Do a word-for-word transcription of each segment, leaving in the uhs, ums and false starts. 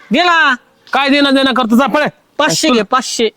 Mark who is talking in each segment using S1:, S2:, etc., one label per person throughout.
S1: गेला.
S2: काय देणं देणं करतो जा पळे.
S1: पाचशे घे पाचशे.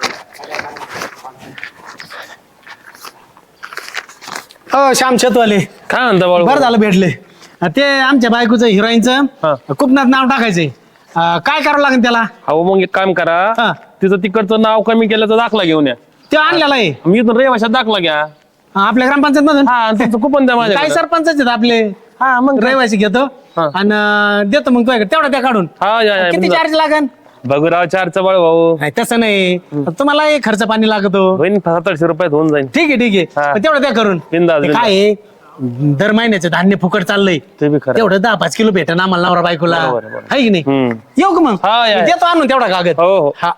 S1: हो श्याम शेतवाले,
S2: काय म्हणता बाळू?
S1: बरं झालं भेटले. ते आमच्या बायकोचं हिरोईनचं कुपनात नाव टाकायचंय. अं, काय करावं लागेल त्याला?
S2: अहो मग एक काम करा,
S1: हा.
S2: तिचं तिकडचं नाव कमी केल्याचा दाखला घेऊन या.
S1: ते आणलेला आहे
S2: मी इथून रेवाशात दाखला घ्या.
S1: आपल्या ग्रामपंचायत मधून.
S2: हा आणि तुमचं कुपन द्या माझ्या.
S1: काय सरपंच आहेत आपले.
S2: हा मग काय?
S1: रहिवासी घेतो
S2: हा.
S1: आणि देतो मग तुझ्याकडे तेवढा त्या काढून.
S2: हा या, या,
S1: किती
S2: मग जा.
S1: चार्ज लागेल?
S2: बघूराव चारचं बाळ भाऊ.
S1: नाही, तसं नाही, तुम्हाला खर्च पाणी लागतो.
S2: बहीण सत्तरशे रुपयात होऊन जाईल.
S1: ठीक आहे ठीक
S2: हा.
S1: आहे, तेवढं त्या करून.
S2: बिनधास्त,
S1: ते
S2: बिनधास्त.
S1: काय आहे, दर महिन्याचं धान्य फुकट चाललंय.
S2: ते बी खरं.
S1: तेवढं दहा पाच किलो भेटन आम्हाला नवरा बायकोला.
S2: बरोबर, बरोबर.
S1: आहे की नाही?
S2: हम्म.
S1: येऊ का मग?
S2: हा, या, या.
S1: देतो आणून तेवढा कागद.
S2: हो हो.
S1: हा.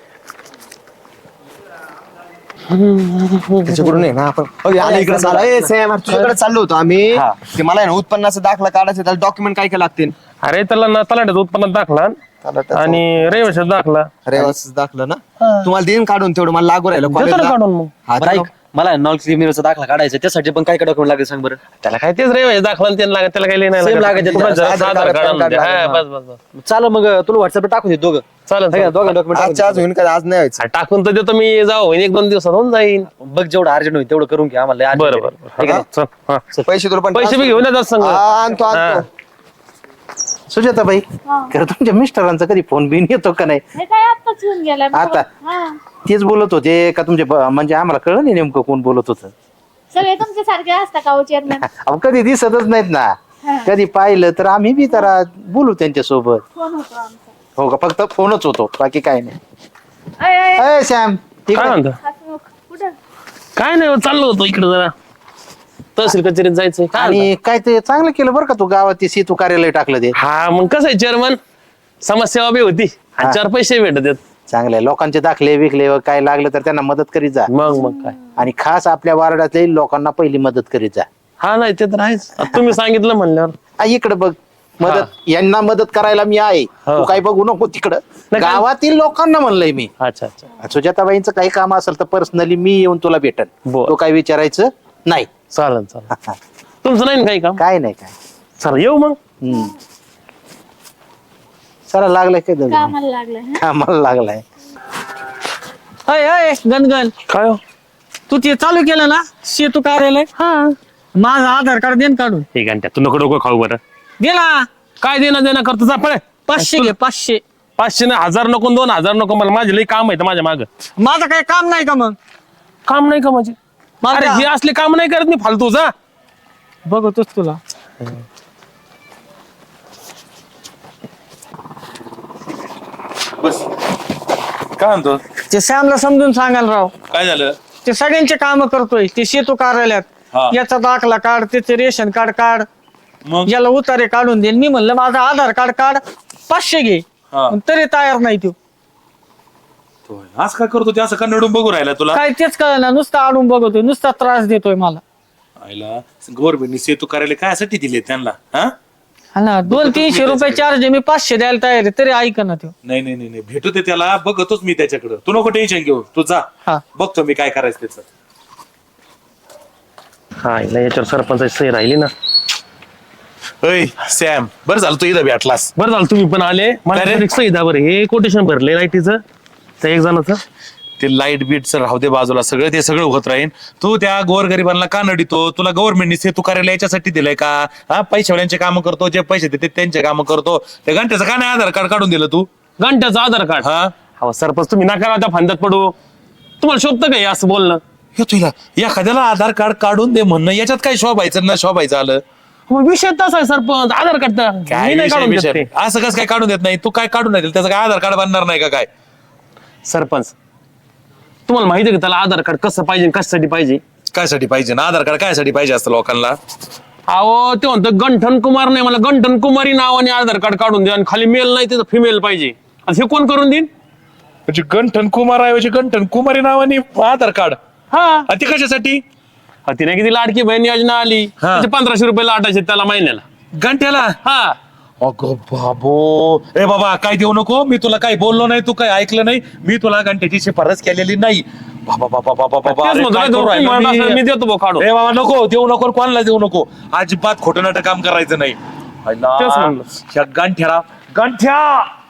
S3: त्याच्याकडून आहे ना आपण इकडे चाललो. ए, सॅम, तुझ्याकडे चाललो होतो आम्ही. ते मला आहे ना उत्पन्नाचा दाखला काढायचा, त्याला डॉक्युमेंट काय काय लागतील?
S2: अरे त्याला ना तलाट्याचा उत्पन्नात दाखला
S3: तलाट्याचा
S2: आणि रेवाशात दाखला.
S3: रहिवासी दाखला ना तुम्हाला देईन काढून, तेवढं मला लागू राहिलं
S2: देतो ना
S3: कॉलेजला.
S2: काढून मग.
S3: हा,
S4: बरं ऐक, मला नॉन क्रिमिनलचा दाखला काढायचा, त्यासाठी पण काय काय डॉक्युमेंट लागेल सांग बरं.
S2: त्याला काय तेच रेवाशात दाखला आणि त्याला लागत, त्याला काही लिहिणार
S4: Same लागायचे.
S2: कुणाचं
S3: आधार
S2: आधार
S3: कार्ड,
S2: कार्ड आणून
S3: पॅन
S2: द्या.
S3: कार्ड
S2: हा,
S3: लागेल.
S2: बस बस बस
S4: चालेल मग तुला व्हॉट्सअपला टाकून दे दोघं.
S2: चालेल
S4: है का? दोघं डॉक्युमेंट
S3: आजच्या आज होईन का? आज नाही व्हायचं.
S2: हा, टाकून तर देतो मी. जाऊ होईन एक दोन दिवसात होऊन जाईन.
S4: बघ जेवढं अर्जंट होईल तेवढं करून घ्या आम्हाला. लय urgent
S2: बरं
S4: आहे.
S2: बरं
S4: है का नाही?
S2: चल, हा.
S3: पैसे तुला पण
S2: पैसे बी घेऊन येतात संग.
S3: हा, आणतो आणतो.
S5: सुजाताबाई, खरं तुमच्या मिस्टरांचा कधी फोन बिन येतो का नाही?
S6: हे काय आत्ताच येऊन गेलाय.
S5: आता?
S6: हा.
S5: तेच बोलत होते का तुमचे ब- म्हणजे आम्हाला कळलं नाही नेमकं कोण बोलत होतं.
S6: सगळे तुमच्या सारखे असता का चेअरमॅन?
S5: अहो कधी दिसतच नाहीत ना.
S6: हा.
S5: कधी पाहिलं तर आम्ही बी जरा बोलू त्यांच्या सोबत.
S6: फोन होतो आमचा.
S5: हो का? फक्त फोनच होतो, बाकी काय नाही.
S6: अय, अय,
S5: अय सॅम, ठीक
S2: काय
S5: आहे.
S2: म्हणता?
S6: हसमुख. कुठं?
S2: काय नाही हो, चाललो होतो इकडे जरा तहसील कचेरीत जायचंय. काय म्हणता?
S5: आणि काय ते चांगलं केलं बरं का तू गावात ते सेतू कार्यालय टाकलं ते.
S2: हा मग कसं आहे चेअरमन, समाजसेवा बी होती आणि
S5: हा.
S2: चार पैसे भेटत आहेत.
S5: चांगलं आहे. लोकांचे दाखले विकले व काय लागलं तर त्यांना मदत करीत जा.
S2: मग मग काय.
S5: आणि खास आपल्या वार्डातल्या लोकांना पहिली मदत करीत जा.
S2: हा नाही ते तर आहेच. आता तुम्ही सांगितलं म्हणल्यावर.
S5: आ, इकडं बघ, मदत यांना मदत करायला मी आहे.
S2: हो.
S5: तू काय बघू नको तिकडं.
S2: नाही, काय-
S5: गावातील लोकांना म्हणलंय मी.
S2: अच्छा अच्छा
S5: सुजाताबाईंचं काही काम असेल तर पर्सनली मी येऊन तुला भेटन.
S2: बरं.
S5: तो काय विचारायचं नाही.
S2: चालेल चालेल. तुमचं नाही ना काही काम?
S5: काय नाही काय.
S2: चला येऊ मग.
S5: हम्म. चला लागलाय काय दगड?
S6: कामाला लागलाय. हं?
S5: कामाला लागलाय.
S1: अय अय गणगण,
S2: काय हो?
S1: तू ते चालू केलं ना सेतू कार्यालय? हा. माझं आधार कार्ड देन काढून.
S2: हे घंट्या तू नको डोकं खाऊ बरं.
S1: गेला.
S2: काय देणं देणं करतो जा पळे.
S1: पाचशे घे पाचशे.
S2: पाचशे ना हजार नको दोन हजार नको, मला माझे लई काम आहे माझ्या माग.
S1: माझं काही काम नाही का मग?
S2: काम नाही का माझे?
S1: माझं
S2: अरे
S1: का-
S2: हे असले काम नाही करत मी फालतू जा.
S1: बघतोच तुला.
S7: बस काय म्हणतो?
S1: ते श्यामला समजून सांगायला राव.
S7: काय झालं?
S1: ते सगळ्यांचे काम करतोय ते सेतू कार्यालयात.
S7: हा.
S1: याचा दाखला काढ, त्याचे रेशन कार्ड काढ,
S7: मग
S1: याला उतारे काढून देईल. मी म्हणलं माझं आधार कार्ड काढ, पाचशे घे.
S7: हा.
S1: पण तरी तयार नाही तो.
S7: तो असं काय करतो ते? असं का नडून बघू राहिला तुला?
S1: काय तेच कळलं, नुसता आडून बघतोय, नुसता त्रास देतोय मला.
S7: आईला गव्हर्नमेंटने सेतू कार्यालय कायसाठी दिले त्यांना? हा
S1: हा ना, दोन तीनशे रुपये चार्ज आहे, मी पाचशे द्यायला तयार आहे, तरी ऐक ना तो.
S7: नाही नाही नाही नाही, भेटू दे त्याला. बघतोच मी त्याच्याकडे. तू नको टेन्शन घेऊ, तू जा.
S1: हा.
S7: बघतो मी काय करायचं त्याचं.
S2: हा हिला याच्यावर सरपंचाची सही राहिली ना.
S7: अय सॅम, बरं झालं तू इथं भेटलास.
S2: बरं झालं तुम्ही पण आले. मला
S7: काय रे?
S2: एक सही द्या बरं. हे कोटेशन भरले लाईटीचं त्या एक जणाचं.
S7: ते लाईट बीटचं राहू दे बाजूला, सगळं ते सगळं होत राहील. तू त्या गोरगरिबांना का नडितो? तुला गव्हर्नमेंटने सेतू कार्यालय याच्यासाठी दिलंय का? हा, पैशावाल्यांचे कामं करतो, जे पैसे देते त्यांचे कामं करतो. त्या घंट्याचं का नाही आधार कार्ड काढून दिलं तू?
S2: घंट्याचं आधार कार्ड.
S7: हा
S2: हो सरपंच तुम्ही नका त्या फांद्यात पडू. तुम्हाला शोभतं का हे असं बोलणं?
S7: हे तुला एखाद्याला आधार कार्ड काढून दे म्हणणं, याच्यात काय शोभायचं ना शोभायचं आलं?
S2: मग विषय तसा आहे सरपंच. आधार कार्ड तर
S7: काय
S2: मी नाही
S7: विषय-
S2: काढून देत
S7: विषय?
S2: ते.
S7: असं कसं काय काढून देत नाही? तू काय काढून नाही दिलं? त्याचं काय आधार कार्ड बनणार नाही का काय?
S2: सरपंच तुम्हाला माहिती आहे का त्याला आधार कार्ड कसं पाहिजे, कशासाठी पाहिजे?
S7: कायसाठी पाहिजे ना आधार कार्ड? कायसाठी पाहिजे असतं लोकांना?
S2: अहो ते म्हणतो गंठन कुमार नाही, मला गंठन कुमारी नावाने आधार कार्ड काढून द्या आणि खाली मेल नाही तिथं फिमेल पाहिजे. आणि हे कोण करून देईन?
S7: म्हणजे गंठन कुमार ऐवजी गंठन कुमारी नावाने आधार कार्ड?
S2: हा
S7: आणि ते कशासाठी?
S2: हा, तिने किती लाडकी बहीण योजना आली.
S7: हा.
S2: त्याचे पंधराशे रुपये लाटायचे त्याला महिन्याला.
S7: घंट्याला?
S2: हा
S7: अगो बाबो, ए बाबा काय देऊ नको. मी तुला काही बोललो नाही, तू काही ऐकलं नाही. मी तुला घंट्याची शिफारस केलेली नाही. बाबा बाबा बाबा बाबा
S2: तेच
S7: अरे
S2: म्हणतो
S7: काय
S2: ना,
S7: करू
S2: तुम्ही
S7: राहिलो
S2: म्हणत
S7: मी?
S2: असाल, मी देतो भाऊ काढून.
S7: ए बाबा नको देऊ नको, कोणाला देऊ नको. अजिबात खोटं नाटक काम करायचं नाही.
S2: तेच म्हणलं.
S7: ह्या गांठ्याला गांठ्या